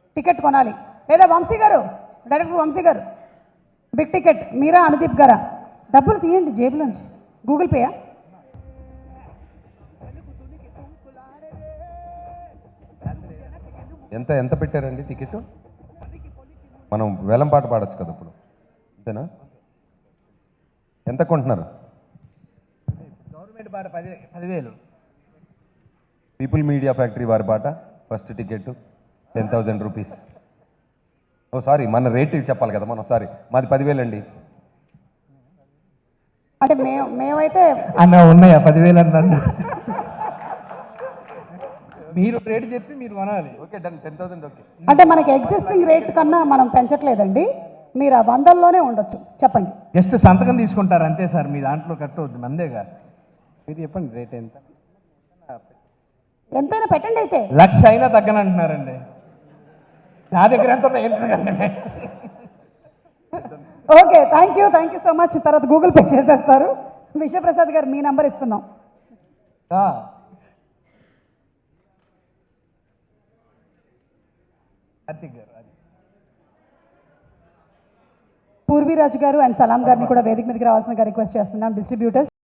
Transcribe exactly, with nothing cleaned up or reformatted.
Ticket కొనాలి. లేదా వంశీ గారు, డైరెక్టర్ వంశీ గారు, బిగ్ టికెట్ మీరా అనుదీప్ గారా, డబ్బులు తీయండి జేబులోంచి. గూగుల్ పేయా? ఎంత ఎంత పెట్టారండి టికెట్? మనం వేలం పాట పాడచ్చు కదా ఇప్పుడు, అంతేనా? ఎంత కొంటున్నారు? గవర్నమెంట్ పాట పది పదివేలు పీపుల్ మీడియా ఫ్యాక్టరీ వారి పాట first ticket ten thousand rupees. Oh sorry, మన రేట్ చెప్పాలి కదా మనం. సారీ, మాది పదివేలు అండి. అంటే మేము మేమైతే అన్న ఉన్నాయా పదివేలు అన్న? మీరు రేటు చెప్పి మీరు కొనాలి. Okay done, ten thousand okay. అంటే మనకి ఎగ్జిస్టింగ్ రేట్ కన్నా మనం పెంచట్లేదండి. మీరు ఆ వందల్లోనే ఉండొచ్చు. చెప్పండి. జస్ట్ సంతకం తీసుకుంటారు అంతే సార్, మీ దాంట్లో కట్టవద్దు, మందేగా. మీరు చెప్పండి రేట్ ఎంత? ఎంతైనా పెట్టండి అయితే. లక్ష అయినా తగ్గనంటున్నారండి. నా దగ్గర ఎంత ఉందో ఏంటంటే. Okay, thank you thank you so much. తర్వాత గూగుల్ పే చేసేస్తారు. విశ్వప్రసాద్ గారు మీ నంబర్ ఇస్తున్నాం. కార్తిక్ గారు, పూర్వీరాజు గారు అండ్ సలాం గారిని కూడా వేదిక మీదకి రావాల్సిన రిక్వెస్ట్ చేస్తున్నాం. డిస్ట్రిబ్యూటర్స్